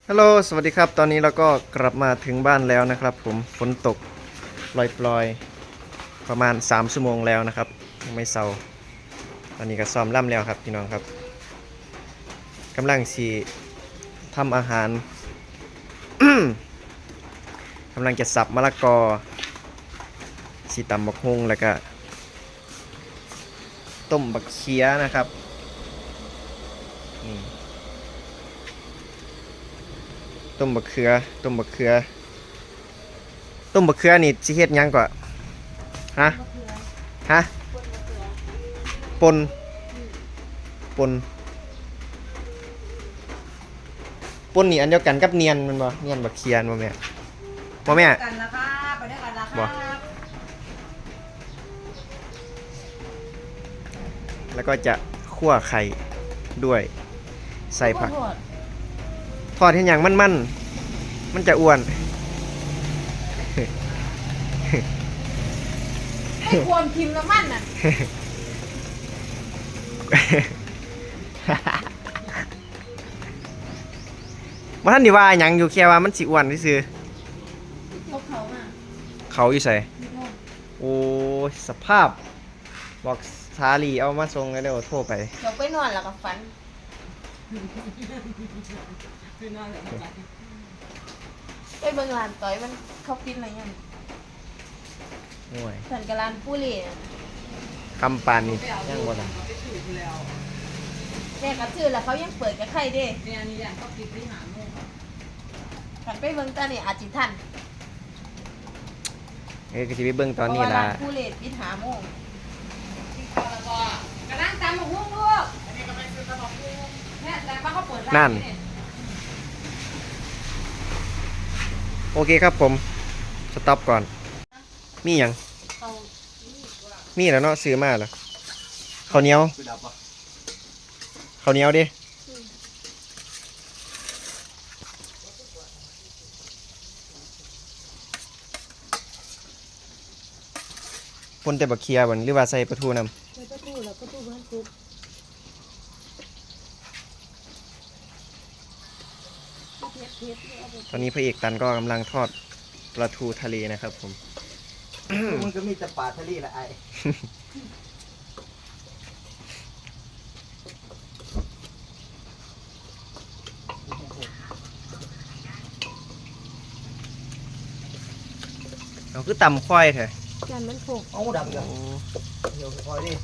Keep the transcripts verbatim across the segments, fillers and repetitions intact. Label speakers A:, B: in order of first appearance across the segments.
A: ฮัลโหลสวัสดีครับตอนนี้เราก็กลับมาถึงบ้านแล้วนะครับผมฝนตกปล่อยๆประมาณสามชั่วโมงแล้วนะครับยังไม่เศร้าตอนนี้ก็ซ้อมล่ำแล้วครับพี่น้องครับกำลังสีทำอาหาร กำลังจะสับมะละกอสีตำบักฮุงแล้วก็ต้มบักเขียนะครับนี่ต้มบักเขือต้มบักเขือต้มบักเขือนี่สิเฮ็ดหยังก่อนฮะฮะปนปนปนนี่อันเดียวกันกับเนียนมันบ่เนียนบักเขียนบ่แม่บ่แม่
B: กันละครับไปด้วยกันละครับ
A: แล้วก็จะคั่วไข่ด้วยใส่ผักทอดให้หยังมันมันมันจะอ้วน
B: ให้ควรพิมพ์น้ำมันน่ะ
A: ว่าท่านดีว่าหยังอยู่แค่ว่ามันสิอ้วนซื่อ
B: พวกเขาอ่ะ
A: เขาอยู่ใส่โอ้ยสภาพบอกสาลีเอามาส่งแล้วเดี๋ยวโทรไป
B: เดี๋ยวไปนอนแล้วก็ฝันไปเบิ่งร้านต่อยมันเขาปิดอะไรยัง
A: โอ้ย
B: สันกับร้านปูเล่น่ะ
A: คำปานนี่ยังบ่ล่ะ
B: แม่ก็ซื้อแล้วเขายังเปิดกับใครเด้
C: เนี่ยนี่อย่างก็ปิดที่หาโมง
B: ขันไปเบิ่งตอนนี้อาจจิทัน
A: เอ้ยก็สิไปเบิ่งตอนนี้
B: เพราะว่า
A: ล่ะ
B: ร้านปูเล่ปิดหาโมง
C: กินข้าวแล้วก็กระนั่งตามหมกหุ้งลูกอันนี้ก็ไปซื้อตามหมกหุ้งเนี่ยแต่ป้าเขาเปิดร้าน
A: นั่น โอเคครับผมสต็อปก่อนมีหยัง
B: เขา
A: มีแล้วเนาะซื้อมาแล้วข้าวเหนียวข้าวเหนียวดิคนแต่บักเคียบ่นหรือว่าใส่ปลาทูนำ
B: ไปประตูแล้วประตูบ้านคุก
A: ตอนนี้พระเอกตันก็กำลังทอดปลาทูทะเลนะครับผม
D: มันก็มีแต่ป่าทะเลละไอ้
A: เอาคือตำควายเถอะ
B: จานมันโผก
D: เอาดำกันเดี๋ยวคอยดิ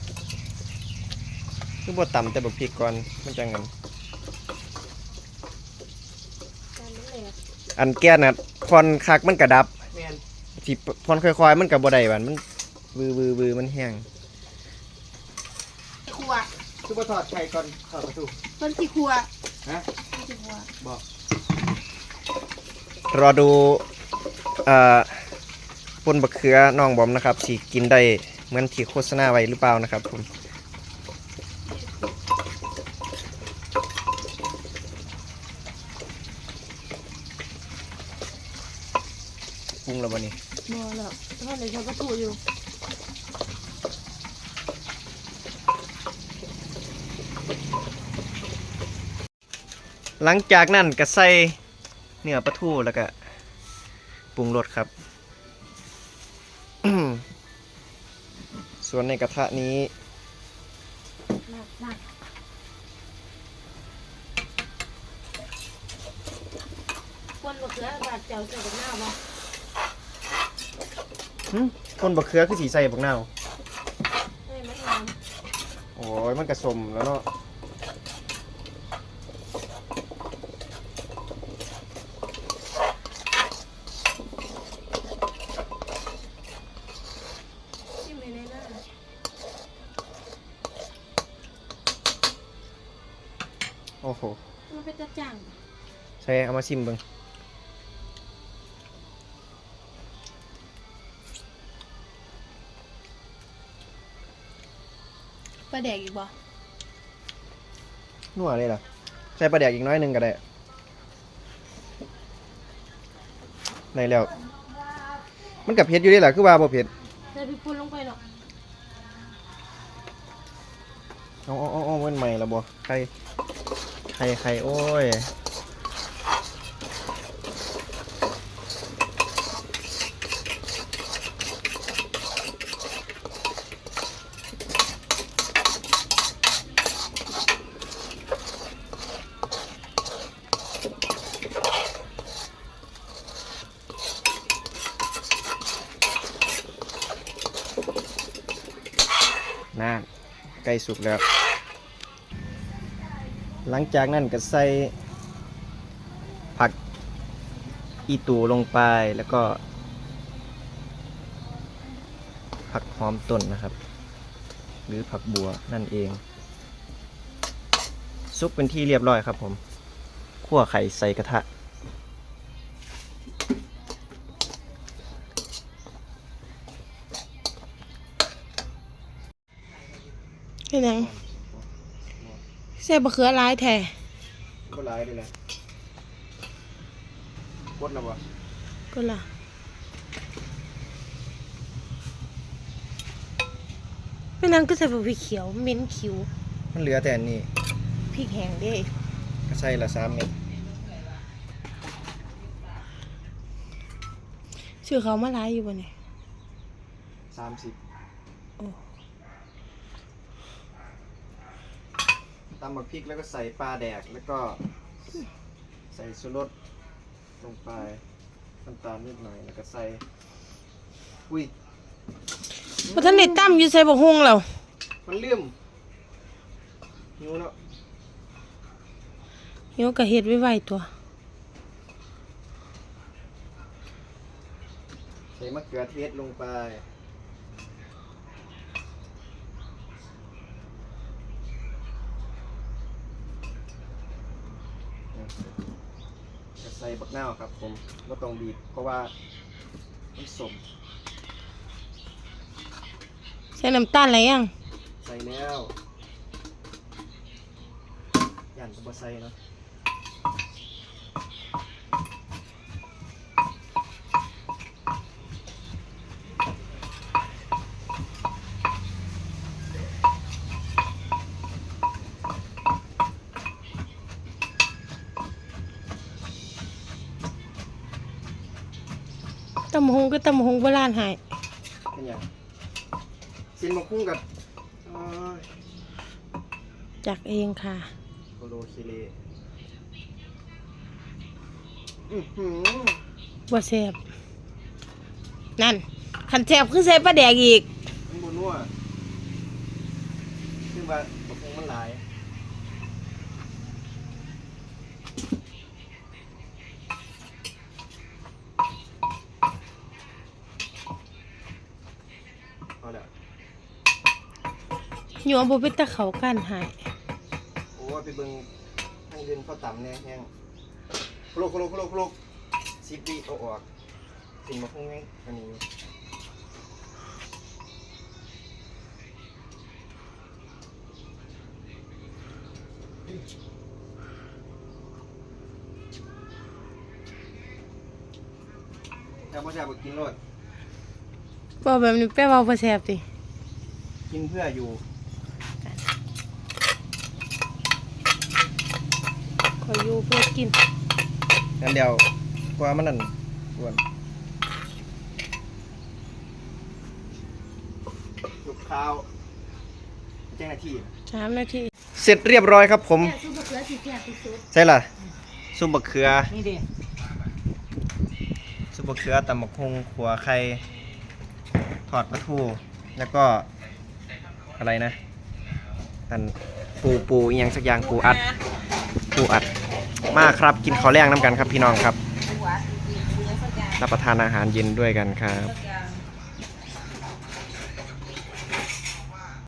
A: คือบ่ตำแต่บักพริกก่อนมันจังงั้น
B: จานมันแหลก
A: อันแก้น่ะพรคักมันกระดับ
D: แมน
A: สิพรค่อยๆมันก็บ่ได้บัดมันวือวือวือมันแห้ง
B: ครัว
D: ซุปเปอร์ทอดไข่ก่อนทอดประตู
B: เพิ่นสิครัว
D: ฮะ
B: เพิ่นสิครัว
D: บอก
A: รอดูเอ่อปนบักเขือน้องบอมนะครับสิกินได้เหมือนที่โฆษณาไว้หรือเปล่านะครับผมปรุงแล้วบ่นี่
B: บ่แล้วทอดเลยเขาก็ถูกอยู่
A: หลังจากนั้นก็ใส่เนื้อปลาทูแล้วก็ปรุงรสครับ ส่วนในกระทะนี้
B: นักนักคนมะเขือบาดเจ้าเจ้ากับหน้าบ่
A: หึคนบักเขือคือสีใส่บักนาว
B: ให้มันงาม
A: โอ้ยมันกระสมแล้วเนาะ
B: ชิมเลยได้นะ
A: โอ้โห
B: มันเป็นตะจัง
A: ใส่เอามาชิมเบิ่ง
B: ปลาแดกอีกบ่
A: นัวเลยล่ะใส่ปลาแดกอีกน้อยหนึงก็ได้ได้แล้วมันกับเผ็ดอยู่เด้ล่ะคือว่าบ่เผ็ด
B: ใส่พริกป่นลงไปเนาะ
A: เอาเอาเอาเอามันใหม่ละบ่ไข่ไข่ไข่โอ้ยน่าใกล้สุกแล้ว หลังจากนั้นก็ใส่ผักอีตูลงไปแล้วก็ ผักหอมต้นนะครับ หรือผักบัวนั่นเอง ซุปเป็นที่เรียบร้อยครับผมคั่วไข่ใส่กระทะ
B: เฮ็ดหยังใส่บะเขือหลายแท้
A: ก็ร้ายเลยแหละกดแล้วบ่
B: ก็ล่ะเป็นหยังก็ใส่บะพริกเขียวเหม็นคิว
A: มันเหลือแต่อันนี้
B: พริกแห้งเด้
A: ก็ใส่ละสามเม็ด
B: ชื่อเขามาหลายอยู่บ่เนี่ย
A: สามสิบ
B: โอ้
A: ตำบักพริกแล้วก็ใส่ปลาแดกแล้วก็ใส่ชูรสลงไปน้ำตาลนิดหน่อยแล้วก็ใส่อุ้ย
B: บ่ทันได้ตำอยู่ใส่บักฮุงแล้ว
A: มันเลื่อมหิวเนาะ
B: เดี๋ยวก็เฮ็ดไว้ๆตัว
A: ใส่มะเขือเทศลงไปก็ใส่บักนาวครับผมไม่ต้องบีบเพราะว่ามันสม
B: ใส่น้ำตาลอะไรยัง
A: ใส่แล้วย่านก็บ่ใส่เนาะ
B: ตำบักฮุงก็ตำบักฮุงโบราณหาย
A: เป็นหยังซินมาคุ้งกับโอ้ย
B: จักเองค่ะ
A: โคโลคิเลอื้อหือ
B: บ่แซ่บนั่นคันแซ่บคือใส่ปลาแดกอีก
A: มันบนัวซึ่งว่าบักคงมันหลายพอแล้ว
B: อยู่บ่เป็นตะเขากันหาย
A: โอ้ยไปเบิ่งทางเดินเข้าต่ำแน่แห้งโคโลโคโลโคโลโคโลสิบวิเอาออกสิ่งมาคงแห้งอันนี้อยู่แต่พ่อจะบอกกินรส
B: บ่แบบนี้แปลว่าบ่แซ่บติ
A: กินเพื่ออยู่
B: ขออยู่เพื่อกิน
A: งั้นเดี๋ยวกว่ามันนั่นกวนลูกข้าวแจ้งหน้าที่
B: สามนาที
A: เสร็จเรียบร้อยครับผม
B: ซุปบะเขือสิแซ่บที่สุด
A: ใช่ล่ะซุปบะเขือ
C: นี่ดิ
A: ซุปบะเขือตำบักฮุงขัวไข่ทอดปลาทูแล้วก็อะไรนะอันปูปูอีหยังสักอย่างปูอัดปูอัดมาครับกินข้าวแรงน้ำกันครับพี่น้องครับ
C: หัวสีๆยังสักอย่าง
A: รับประทานอาหารเย็นด้วยกันครับ
C: สักอย่าง